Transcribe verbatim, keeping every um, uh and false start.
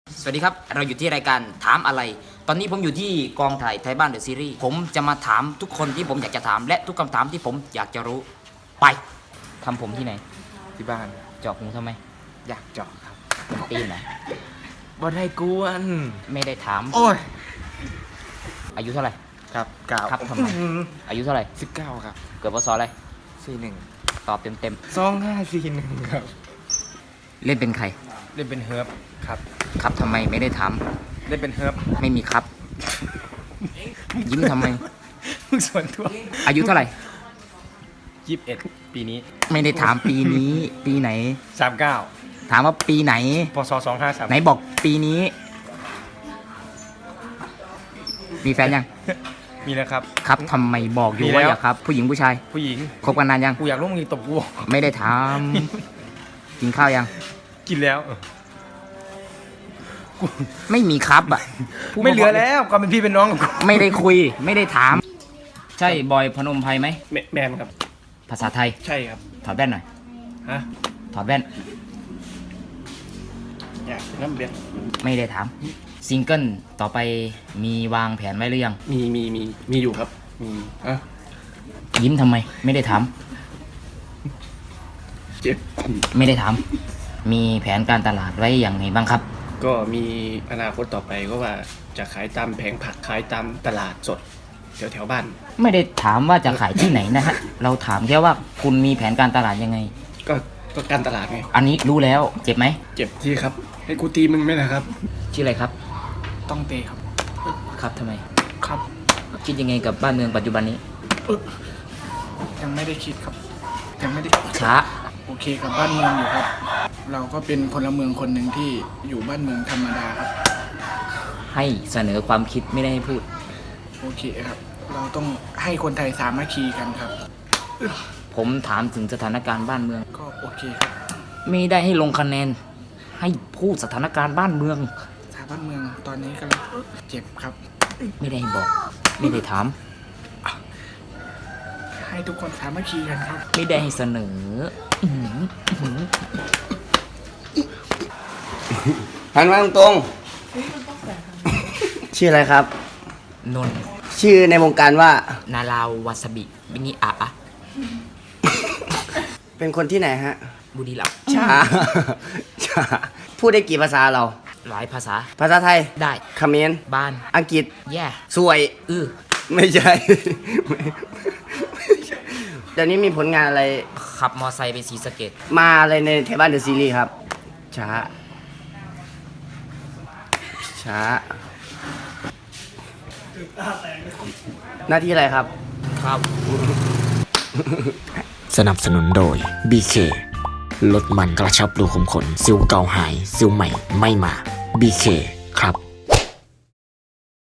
สวัสดีครับเราอยู่ที่รายการถามอะไรตอนนี้ผมอยู่ที่กองถ่ายไทยบ้านเดอะซีรีส์ผมจะมาถามทุกคนที่ผมอยากจะถามและทุกคำถามที่ผมอยากจะรู้ไปทำผมที่ไหนที่บ้านเจาะหูทำไมอยากเจาะครับเป็นตีนเหรอบ่ได้กวนไม่ได้ถามโอ้ยอายุเท่าไหร่ครับเก้าครับทำไมอายุเท่าไหร่สิบเก้าครับเกิดพศอะไรสี่หนึ่งตอบเต็มเต็มสองห้าสี่หนึ่งครับเล่นเป็นใครเล่นเป็นเฮิร์บครับครับทำไมไม่ได้ถามเล่นเป็นเฮิร์บไม่มีครับยิ้มทำไมมึงส่วนตัวอายุเท่าไหร่ยี่สิบเอ็ดปีนี้ไม่ได้ถามปีนี้ปีไหนสามเก้าถามว่าปีไหนพศสองห้าสามไหนบอกปีนี้มีแฟนยังมีแล้วครับครับทำไมบอกอยู่ว่าอยากครับผู้หญิงผู้ชายผู้หญิงคบกันนานยังกูอยากรู้มึงตบกูไม่ได้ถามกินข้าวยังกินแล้วไม่มีครับอ่ะไม่เหลือแล้วความเป็นพี่เป็นน้องไม่ได้คุยไม่ได้ถามใช่บอยพนมไพรไหมแมนครับภาษาไทยใช่ครับถอดแว่นหน่อยฮะถอดแว่นอยากน้ำเบียร์ไม่ได้ถามซิงเกิลต่อไปมีวางแผนไว้หรือยังมีมีมีมีอยู่ครับมีอ่ะยิ้มทำไมไม่ได้ถามเจ็บไม่ได้ถามมีแผนการตลาดไว้อย่างไรบ้างครับก็มีอนาคตต่อไปก็ว่าจะขายตามแผงผักขายตามตลาดสดแถวแถวบ้านไม่ได้ถามว่าจะขายที่ไหนนะฮะเราถามแค่ว่าคุณมีแผนการตลาดยังไงก็ก็การตลาดไงอันนี้รู้แล้วเจ็บไหมเจ็บที่ครับให้กูตีมึงไหมนะครับชื่ออะไรครับต้องเตะครับครับทำไมครับคิดยังไงกับบ้านเมืองปัจจุบันนี้ยังไม่ได้คิดครับยังไม่ได้ช้าโอเคกับบ้านเมืองอยู่ครับเราก็เป็นพลเมืองคนหนึ่งที่อยู่บ้านเมืองธรรมดาครับให้เสนอความคิดไม่ได้ให้พูดโอเคครับเราต้องให้คนไทยสามัคคีกันครับผมถามถึงสถานการณ์บ้านเมืองก็โอเคครับไม่ได้ให้ลงคะแนนให้พูดสถานการณ์บ้านเมืองสถานบ้านเมืองตอนนี้กำลังเจ็บครับไม่ได้บอกไม่ได้ถามให้ทุกคนสามัคคีกันครับไม่ได้ให้เสนอหันมาตรงๆชื่ออะไรครับนนชื่อในวงการว่านาราววาซาบิบินิอะอะเป็นคนที่ไหนฮะบุรีรัมย์ชาชาพูดได้กี่ภาษาเราหลายภาษาภาษาไทยได้เขมรบ้านอังกฤษแย่สวยอื้อไม่ใช่เดี๋ยวนี้มีผลงานอะไรขับมอไซค์ไปศรีสะเกษมาอะไรในไทยบ้านเดอะซีรีส์ครับช้าช้าหน้าที่อะไรครับครับสนับสนุนโดย บี เค ลดมันกระชับรูขุมขนสิวเก่าหายสิวใหม่ไม่มา บี เค ครับ